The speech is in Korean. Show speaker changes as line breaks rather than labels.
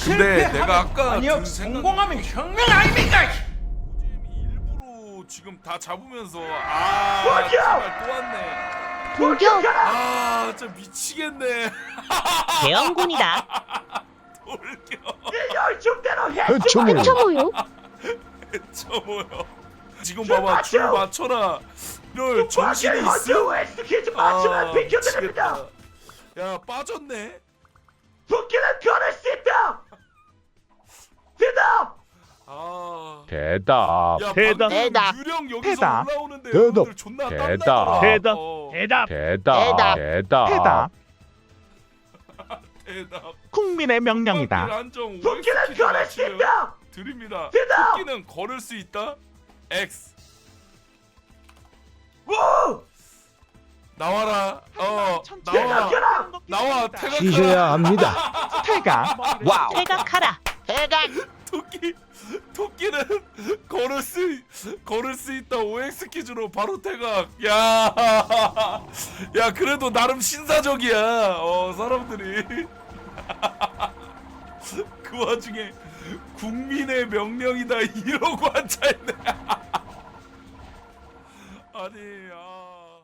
근데 내가 아까
아니요,
든 생각이
성공하면 혁명 아닙니까?
일부러 지금 다 잡으면서 정말 또 왔네.
돌격!
진짜 미치겠네.
대형군이다.
돌격.
해쳐모요.
쳐모요. 지금 봐봐, 줄 맞춰라. 이럴 정신이 있어? 미치겠다. 야, 빠졌네.
도끼는 걸을 수 있다. 대답.
대답.
야,
대답.
방금 유령 여기서
대답.
올라오는데
대답.
여러분들 존나
대답.
땀나더라.
대답.
어,
대답.
대답. 대답.
대답.
국민의 명령이다.
안정
도끼는 걸을 수 있다.
드립니다.
대답.
토끼는 걸을 수 있다. X.
오.
나와라. 나와.
대답해라.
나와. 태각하라.
쉬셔야 합니다.
태가. 와우.
퇴각하라.
토끼는 걸을 수 있다. OX 퀴즈로 바로 태각. 야 그래도 나름 신사적이야. 사람들이 그 와중에 국민의 명령이다 이러고 앉아있네. 아니